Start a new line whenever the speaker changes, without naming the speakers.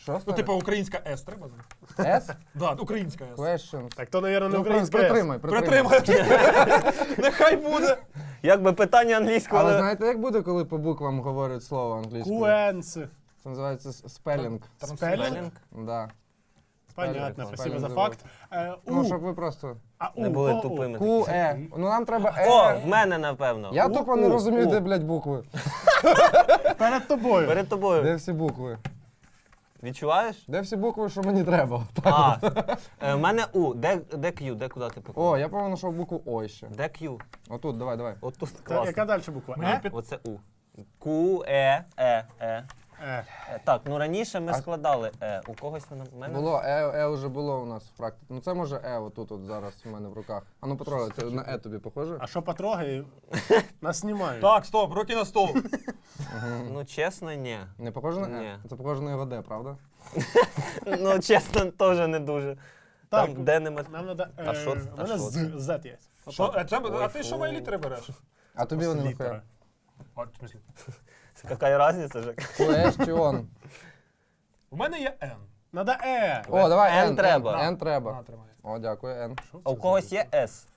Що
Ну,
ставити?
типу, українська С треба?
S?
Да, українська С.
Questions.
Так то, мабуть, не
Ну,
українська.
притримай.
Притримай. Нехай буде.
Якби питання англійського,
Але
але...
знаєте, як буде, коли по буквам говорять слово англійською?
Куенс.
Це називається спелінг.
Спелінг?
Да.
Понятно,
Спелінг.
спасибо за
Спелінг.
факт.
Ну,
У.
щоб ви просто...
А
Не
У,
були
О, У.
тупими.
Q, E. Ну нам треба E.
О, в мене, напевно.
Я тупо не
У.
розумію,
У.
де, блядь, букви.
Перед тобою.
Перед тобою.
Де всі букви?
Відчуваєш?
Де всі букви, що мені треба?
А, в мене У. Де Q? Де куди ти поклав?
О, я повинен знайшов букву О ще.
Де Q?
Отут, давай.
Отут
Та, яка
класно.
далі буква?
Мені
Е?
під-
Оце У. Q, Е.
Е.
Так, ну раніше ми
А-
складали Е. У когось вона в мене?
Було, Е вже було у нас в практиці. Ну це може Е отут от зараз у мене в руках. А ну, Петро, це на Е тобі похоже?
А що потрогай? Нас знімають.
Так, стоп, руки на стол.
Ну, чесно, ні.
Не похоже на
Ні.
Е? Це похоже на його Д, правда?
Ну, чесно, теж не дуже.
Так,
Там, де нема...
нам треба...
А що-
У
а
мене
що
Z є.
Що,
Ой,
а ти що
фу.
мої літери береш?
А тобі вони
Літера.
нахуя?
А, в смислі?
Яка різниця, Жек?
Куеш чи он?
У мене є Н.
Надо Е.
О, давай
N
N
треба.
N треба.
На, тримай.
О, дякую, N.
А у когось є С.